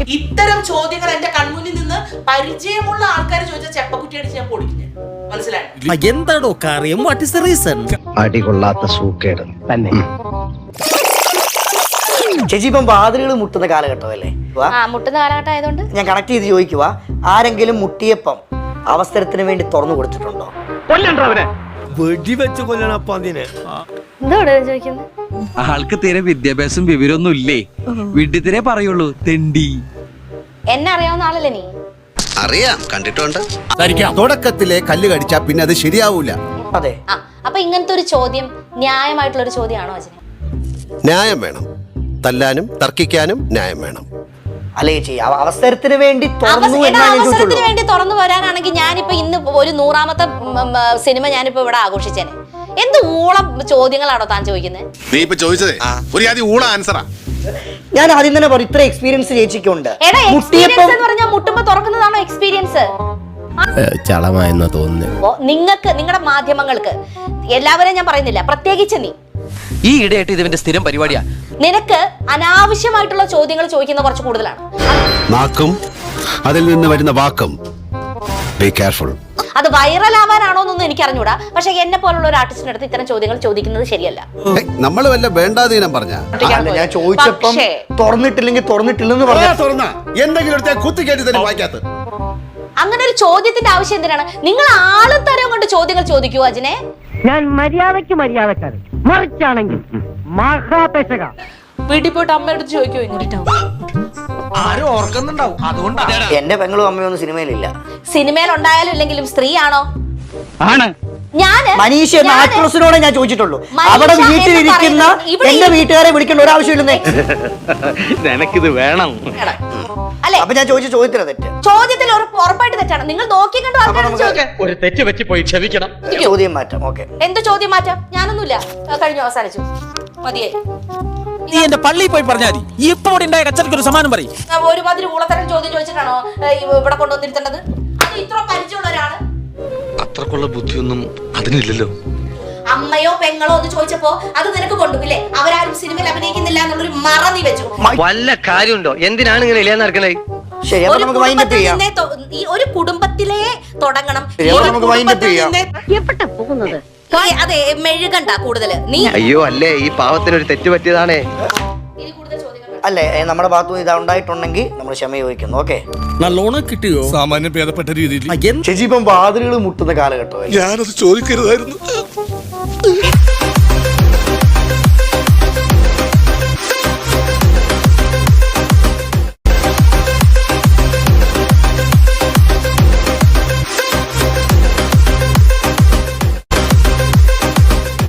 ഇത്തരം ചോദ്യങ്ങൾ എന്റെ കൺമുന്നിൽ നിന്ന് പരിചയമുള്ള ആൾക്കാർ ചോദിച്ച ചെപ്പക്കുറ്റി അടിച്ച് ഞാൻ പൊടിക്കുന്നു. മനസ്സിലായി? എന്താടോ കാര്യം? What is the reason? അടികൊള്ളാത്ത സൂക്കേട് തന്നെ. ചേച്ചി ഇപ്പം വാതിലുകൾ മുട്ടുന്ന കാലഘട്ടമല്ലേ? മുട്ടുന്ന കാലഘട്ടം ആയതുകൊണ്ട് ഞാൻ കണക്ട് ചെയ്ത് ചോദിക്കുക, ആരെങ്കിലും മുട്ടിയപ്പം അവസരത്തിന് വേണ്ടി തുറന്നു കൊടുത്തിട്ടുണ്ടോ? വെടിവെച്ച് കൊല്ലണപ്പ അതിനെ. എന്തോടെ ചോദിക്കുന്നത്? ആൾക്ക് തീരെ വിദ്യാഭ്യാസം വിവരമൊന്നും ഇല്ലേ, വീട്ടിൽ പറയുള്ളൂ തെണ്ടി. എന്നെ അറിയാവുന്ന ആളല്ലേ നീ? അറിയാം, കണ്ടിട്ടുണ്ട്. തുടക്കത്തിലെ കല്ല് കടിച്ചാ പിന്നെ അത് ശരിയാവൂല. അതെ. അപ്പൊ ഇങ്ങനത്തെ ഒരു ചോദ്യം ന്യായമായിട്ടുള്ള ഒരു ചോദ്യമാണോ അച്ഛനെ? ന്യായം വേണം, തല്ലാനും തർക്കിക്കാനും ന്യായം വേണം. അല്ലേ ചേച്ചി, അവസരത്തിന് വേണ്ടി അവസരത്തിന് വേണ്ടി തുറന്നു വരാനാണെങ്കിൽ ഞാനിപ്പോ ഇന്ന് ഒരു 100ാമത്തെ സിനിമ ഞാനിപ്പോ ഇവിടെ ആഘോഷിച്ചേനെ. എന്ത് ഊളം ചോദ്യങ്ങളാണോ താൻ ചോദിക്കുന്നത്? നീ ഇപ്പൊ ചോദിച്ചതേ ഒരു ആദ്യം ഊള ആൻസറാ. ഞാൻ ആദ്യം തന്നെ പറയും, ഇത്ര എക്സ്പീരിയൻസ് ചേച്ചിക്കുണ്ട്. എക്സ്പീരിയൻസ് എന്ന് പറഞ്ഞാൽ മുട്ടുമ്പോ തുറക്കുന്നതാണോ എക്സ്പീരിയൻസ്? ചളമായെന്നാ തോന്നുന്നു. നിങ്ങൾക്ക്, നിങ്ങളുടെ മാധ്യമങ്ങൾക്ക്, എല്ലാവരെയും ഞാൻ പറയുന്നില്ല, പ്രത്യേകിച്ച് നീ ഈ ഇടയായിട്ട് ഇതിന്റെ സ്ഥിരം പരിപാടിയാ. നിനക്ക് അനാവശ്യമായിട്ടുള്ള ചോദ്യങ്ങൾ ചോദിക്കുന്ന കുറച്ച് കൂടുതലാണ്. നാക്കും അതിൽ നിന്ന് വരുന്ന വാക്കും ബി കെയർഫുൾ. അത് വൈറൽ ആവാനാണോ എന്നൊന്നും എനിക്ക് അറിഞ്ഞൂടാ. പക്ഷെ എന്നെ പോലുള്ള ഒരു ആർട്ടിസ്റ്റിന്റെ അടുത്ത് ഇത്തരം ചോദ്യങ്ങൾ ചോദിക്കുന്നത് ശരിയല്ല. നമ്മൾ വല്ല വേണ്ടാതീനം പറഞ്ഞ ഞാൻ ചോദിച്ചപ്പം തുറന്നിട്ടില്ലെങ്കിൽ തുറന്നിട്ടില്ലെന്ന് പറഞ്ഞ എന്തെങ്കിലും കുത്തിക്കേറ്റി തന്നെ വായിക്കാത്ത അങ്ങനെ ഒരു ചോദ്യത്തിന്റെ ആവശ്യം എന്തിനാണ്? നിങ്ങൾ ആളും തരം കൊണ്ട് ചോദ്യങ്ങൾ ചോദിക്കൂ അജിനെ. ഞാൻ മര്യാദക്കാരൻ, മറിച്ചാണെങ്കിൽ മഹാപേശക. വീട്ടിൽ പോയിട്ട് അമ്മയുടെ അടുത്ത് ചോദിക്കോ ഇങ്ങോട്ടോ? ആരും ഓർക്കുന്നുണ്ടാവും, അതുകൊണ്ടാണ്. എന്റെ പെങ്ങളും അമ്മയൊന്നും സിനിമയിലില്ല. സിനിമയിൽ ഉണ്ടായാലും ഇല്ലെങ്കിലും സ്ത്രീയാണോ? ആണ്. മനീഷ എന്ന ആക്ട്രസിനോട് ഞാൻ ചോദിച്ചിട്ടുള്ളൂ. അവിടെ വീട്ടിലിരിക്കുന്ന എന്റെ വീട്ടുകാരെ വിളിക്കേണ്ട ഒരാവശ്യമില്ലെന്നേ. നിനക്കിത് വേണം അല്ലെ? അപ്പൊ ഞാൻ ചോദിച്ച ചോദ്യത്തില തെറ്റ്. ചോദ്യത്തിൽ ഉറപ്പായിട്ട് തെറ്റാണ്. നിങ്ങൾ നോക്കി കണ്ടു ഒരു തെറ്റ് പറ്റി പോയി ക്ഷമിക്കണം. ചോദ്യം മാറ്റാം. ഓക്കെ, എന്ത് ചോദ്യം മാറ്റാം? ഞാനൊന്നുമില്ല, കഴിഞ്ഞു, അവസാനിച്ചു, മതിയായി. നീ എന്റെ പള്ളിയിൽ പോയി പറഞ്ഞാൽ മതി. ഇപ്പൊ ഇവിടെ ഉണ്ടായ കച്ചറയ്ക്ക് ഒരു സമാനം പറയും. ഒരുമാതിരി ഊളത്തരം ചോദ്യം ചോദിച്ചിട്ടാണോ ഇവിടെ കൊണ്ടുവന്നിരുത്തേണ്ടത്? അത് ഇത്ര പരിചയമുള്ള ഒരാള്. അത്രക്കുള്ള ബുദ്ധിയൊന്നും അതിനില്ലല്ലോ. അമ്മയോ പെങ്ങളോ എന്ന് ചോദിച്ചപ്പോ അത് നിനക്ക് കൊണ്ടുപോയില്ലേ? അവരാരും സിനിമയിൽ അഭിനയിക്കുന്നില്ല എന്നുള്ളൊരു മറ നീ വെച്ചു. വല്ല കാര്യമുണ്ടോ? എന്തിനാണ് ഇങ്ങനെ ഇല്ലാന്ന് നടക്കണേ? ശരി, അപ്പൊ നമുക്ക് വൈൻഡപ്പ് ചെയ്യാം. ഈ ഒരു കുടുംബത്തിലേ തുടങ്ങണം. നമുക്ക് വൈൻഡപ്പ് ചെയ്യാം. എവിടെ പോകുന്നത്? അതെ, മെഴുകണ്ട കൂടുതൽ. നീ അയ്യോ അല്ലേ, ഈ പാവത്തിനൊരു തെറ്റ് പറ്റിയതാണേ. അല്ലേ, നമ്മുടെ ഭാഗത്തു ഇതാ ഉണ്ടായിട്ടുണ്ടെങ്കിൽ നമ്മൾ ക്ഷമ ചോദിക്കുന്നു. ഓക്കെ, നല്ലോണം കിട്ടിയോ? സാമാന്യം ഭേദപ്പെട്ട രീതിയിൽ. ചേച്ചി ഇപ്പം വാതിലുകൾ മുട്ടുന്ന കാലഘട്ടം. ഞാനത് ചോദിക്കരുതായിരുന്നു.